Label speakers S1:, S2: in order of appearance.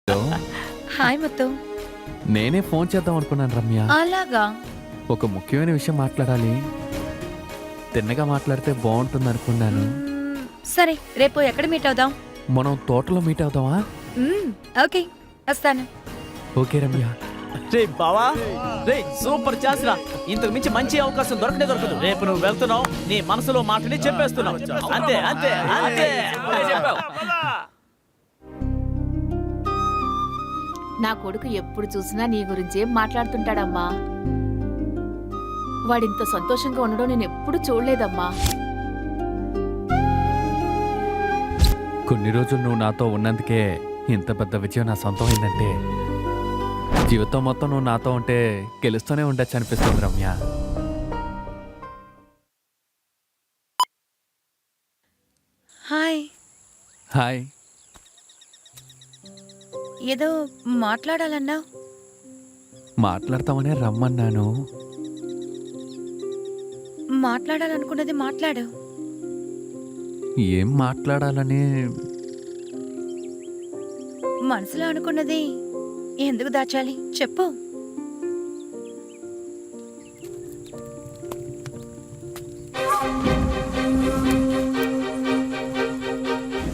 S1: Hi Muthu.
S2: నేనే phone చేద్దాం అనుకున్నాను రమ్య.
S1: అలాగా?
S2: ఒక ముఖ్యమైన విషయం మాట్లాడాలి. తిన్నగా మాట్లాడితే బాగుంటుంది అనుకున్నాను.
S1: సరే, రేపు ఎక్కడ మీట్ అవుదాం?
S2: మనం తోటలో మీట్ అవుదామా?
S1: ఓకే, వస్తాను.
S2: ఓకే రమ్య.
S3: రే బావా, రే సూపర్ ఛాన్స్ రా. ఇంతకు మించి మంచి అవకాశం దొరకదు. రేపు నువ్వు వెళ్తున్నావు, నీ మనసులో మాటని చెప్పేస్తున్నావు. అంతే అంతే అంతే.
S4: నా కొడుకు ఎప్పుడు చూసినా నీ గురించే మాట్లాడుతుంటాడమ్మా. వాడింత సంతోషంగా ఉండడం నేను ఎప్పుడు చూడలేదమ్మా.
S2: కొన్ని రోజులు నువ్వు నాతో ఉన్నందుకే ఇంత పెద్ద విజయం నా సొంతం అయిందంటే జీవితం మొత్తం నువ్వు నాతో ఉంటే గెలుస్తూనే ఉండొచ్చు అనిపిస్తుంది రమ్య.
S1: హాయ్.
S2: హాయ్.
S1: ఏదో మాట్లాడాలన్నా?
S2: మాట్లాడతామనే రమ్మన్నాను.
S1: మాట్లాడాలనుకున్నది మాట్లాడు.
S2: ఏం మాట్లాడాలని?
S1: మనసులో అనుకున్నది ఎందుకు దాచాలి చెప్పు.